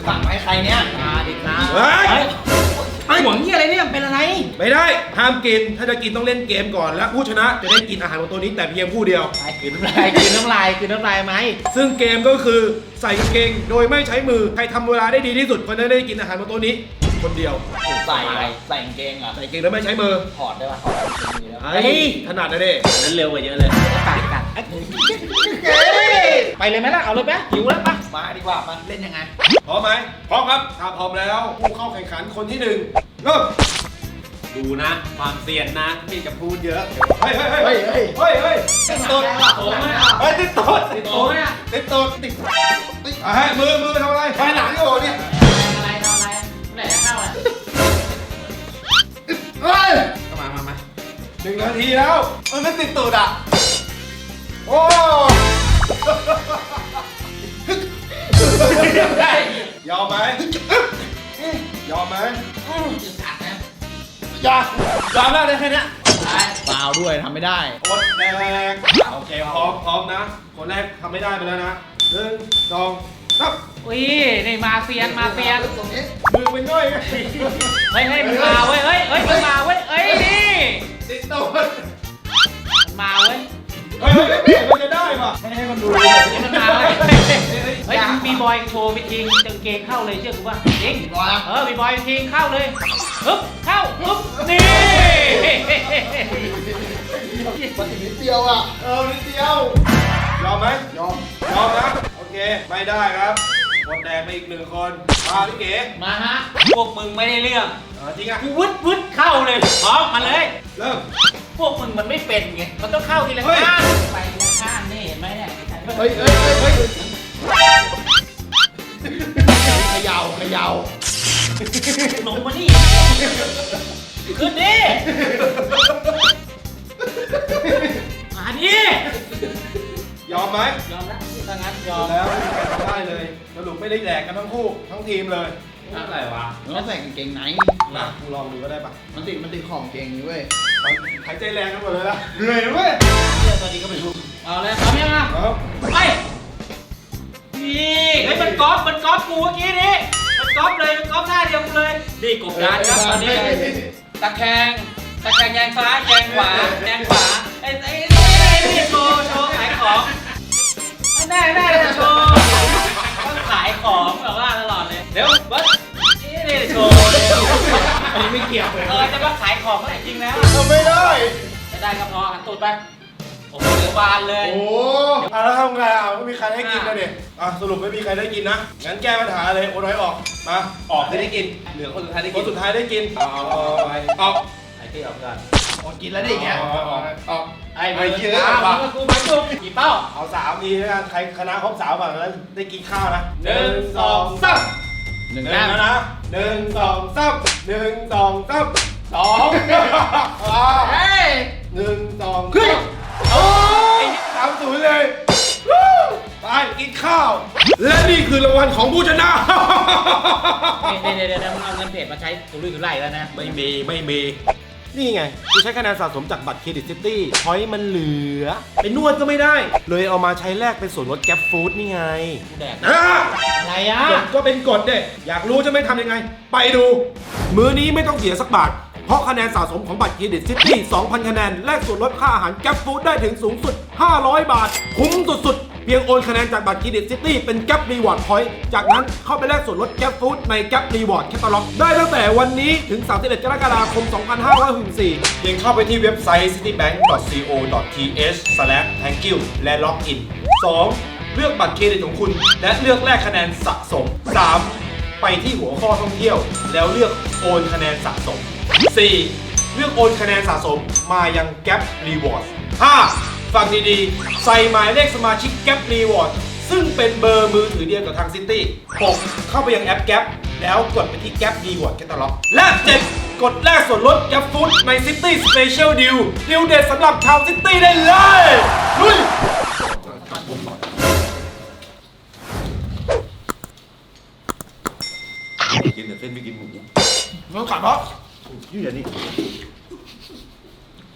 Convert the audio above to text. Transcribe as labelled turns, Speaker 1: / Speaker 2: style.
Speaker 1: สั่งมาให้ใครเนี่ยมาดิครับไอ้หวังนี่อะไรเนี่ยเป็นอะไร
Speaker 2: ไม่ได้ห้ามกินถ้าจะกินต้องเล่นเกมก่อนและผู้ชนะจะได้กินอาหารของตัวนี้แต่เพียงผู้เดียว
Speaker 1: กินน้ำลายไหม
Speaker 2: ซึ่งเกมก็คือใส่กางเกงโดยไม่ใช้มือใครทำเวลาได้ดีที่สุดคนนั้นได้กินอาหารของตัวนี้คนเดียว
Speaker 1: ใส่กางเกงอ่ะ
Speaker 2: ใส่กางเกงแล้วไม่ใช้มือ
Speaker 1: ถอดได้ป่ะถอด
Speaker 2: ถนัดนะเด้
Speaker 1: นั้นเร็วกว่าเยอะเลยกัดไปเลยไหมล่ะเอาเลยไหมหิวแล้วปะมาดีกว่ามาเล่นยังไง
Speaker 2: พร้อมไหมพร้อมครับถ้าพร้อมแล้วผู้เข้าแข่งขันคนที่1เริ่ม
Speaker 1: ดูนะความเซียนนะที่จะพูดเยอะ
Speaker 2: เฮ้ย
Speaker 1: ติดโต๊ะ
Speaker 2: ติดโต๊ะ
Speaker 1: ติดโต๊ะ
Speaker 2: มือทำอะไรไปหลังโอ้เนี่ย
Speaker 1: อะไรไหนจะเข้าอ่ะ
Speaker 2: เฮ้ยมา1 นาทีแล้ว
Speaker 1: มันไม่ติดตูดอ่ะ
Speaker 2: โอ้ยอมไหมอย่ายอมได้เลยแค่นี้
Speaker 1: เปล่าด้วยทำไม่ได้
Speaker 2: คนแรกโอเคพร้อมนะคนแรกทำไม่ได้ไปแล้วนะ1 2 3
Speaker 1: อุ้ยนี่มาเซียน
Speaker 2: ตรงนี้มือเป็นง่อยไง
Speaker 1: เฮ้ยมันมาเว้ยมันมาเว้ยนี่
Speaker 2: ติดตัว
Speaker 1: มันมาเว้ย
Speaker 2: มันจะได้ป่ะให้มันดู
Speaker 1: มันมาเลยเฮ้ยมีบอยโชว์ไปทิ้งกางเกงเข้าเลยเชื่อกูป่ะจริงมีบอยทิ้งเข้าเลยเข้านี่
Speaker 2: มันนิดเดียวอ่ะนิดเดียวยอมไหมยอมนะโอเคไม่ได้ครับหมดแดงไปอีก1 คนมาพี่เก๋
Speaker 1: มาฮะพวกมึงไม่ได้เรื่อง
Speaker 2: จริงอ่ะ
Speaker 1: กูวึดเข้าเลยพร้อมมาเลย
Speaker 2: เริ่ม
Speaker 1: พวกมึงมันไม่เป็นไงมันต้องเข้าทีละข้างไปทีละข้างนี่เห็นไหมเนี่ย
Speaker 2: เฮ้ยเขย่า
Speaker 1: ลงมานี่ขึ้นดิมาดิ
Speaker 2: ยอมไหม
Speaker 1: ยอมแล้วถ้างั้นยอม
Speaker 2: แล้วไม่มีใครทำได้เลยสรุปไม่ได้แดกกันทั้งคู่ทั้งทีมเลย
Speaker 1: อะไรวะ
Speaker 3: ต้องใส่กางเกงไหน
Speaker 2: นะกูลองดูก็ได้ปะ
Speaker 3: มันติดของเกงนี้เว้ย
Speaker 2: หายใจแรงกันหมดเลยนะเหนื่อยเว้ย
Speaker 1: ตอนนี้ก็ไม่รู้เอาเลยพร้อมยังอ่ะไปนี่เฮ้ยมันก๊อปกูเมื่อกี้นี่มันก๊อปท่าเดียวกันเลยนี่กบดานครับตอนนี้ตะแคงแยงซ้ายแยงขวาไอ้นี่โชว์ขายของได้โชว์ต้องขายของแบบว่าตลอดเลยเดี๋ยวบัสนี่โชว์
Speaker 2: อันนี้ไม่เกี่ยว
Speaker 1: เลยจะมาขายของก็จริงแล้ว
Speaker 2: ไม่ได้
Speaker 1: จะได้ก็พอหันตูดไปโอ้โหเดี๋ยวบานเลย
Speaker 2: โอ้แล้วทำไงไม่มีใครได้กินเลยเนี่ยสรุปไม่มีใครได้กินนะงั้นแก้ปัญหาเลยโอ้น้อยออกมาออกได้กินเหลือคนสุดท้ายได้กินออก
Speaker 1: ไอ้ที่ออกกัน
Speaker 3: กินแล้วได้ไง
Speaker 2: ออก
Speaker 1: ไอ้เยอะว่ะกูมาจุกกี่เป้า
Speaker 2: เอา3 ทีแล้วกันใครคณะครบ3ฝั่งแล้วได้กินข้าวนะ
Speaker 1: 1 2 3
Speaker 2: 1แล้วนะ1 2 3 1 2 3 2
Speaker 1: เฮ้ย
Speaker 2: 1 2ขึ้นโอ้ย3-0เลยไปกินข้าวและนี่คือรางวัลของผู้ชนะ
Speaker 1: เดี๋ยวมึงเอาเงินเพจมาใช้สุรุ่ยสุร่ายแล้วนะ
Speaker 2: ไม่มีนี่ไงกูใช้คะแนนสะสมจากบัตรเครดิตซิตี้พอยต์มันเหลือไปนวดก็ไม่ได้เลยเอามาใช้แลกเป็นส่วนลดแก๊ปฟู้ดนี่ไง
Speaker 1: แดกอะไรอ่ะ
Speaker 2: ก็เป็นกฎเด้อยากรู้จะไม่ทำยังไงไปดูมื้อนี้ไม่ต้องเสียสักบาทเพราะคะแนนสะสมของบัตรเครดิตซิตี้ 2,000 คะแนนแลกส่วนลดค่าอาหารแก๊ปฟู้ดได้ถึงสูงสุด500 บาทคุ้มสุดๆเพียงโอนคะแนนจากบัตรเครดิตซิตี้เป็นแก๊ปรีวอร์ดพอยต์จากนั้นเข้าไปแลกส่วนลดแก๊ปฟู้ดในแก๊ปรีวอร์ดแคตตาล็อกได้ตั้งแต่วันนี้ถึง31 กรกฎาคม 2564เพียงเข้าไปที่เว็บไซต์ citibank.co.th/thankyou และล็อกอิน 2. เลือกบัตรเครดิตของคุณและเลือกแลกคะแนนสะสม 3. ไปที่หัวข้อท่องเที่ยวแล้วเลือกโอนคะแนนสะสม 4. เลือกโอนคะแนนสะสมมายังแก๊ปรีวอร์ด 5. ฟังดีๆใส่หมายเลขสมาชิกแก๊ปรีวอร์ดซึ่งเป็นเบอร์มือถือเดียวกับทางซิตี้ 6. เข้าไปยังแอปแก๊ปแล้วกดไปที่แก๊ปรีวอร์ดแคตตาล็อกและ 7. กดแลกส่วนลดแก๊ปฟู้ดในซิตี้สเปเชียลดีลเด็ดสำหรับชาวซิตี้ได้เลยลุยกินแต่เส้นไม่กินหมูมันกัดเพราะยืดอย่างนี้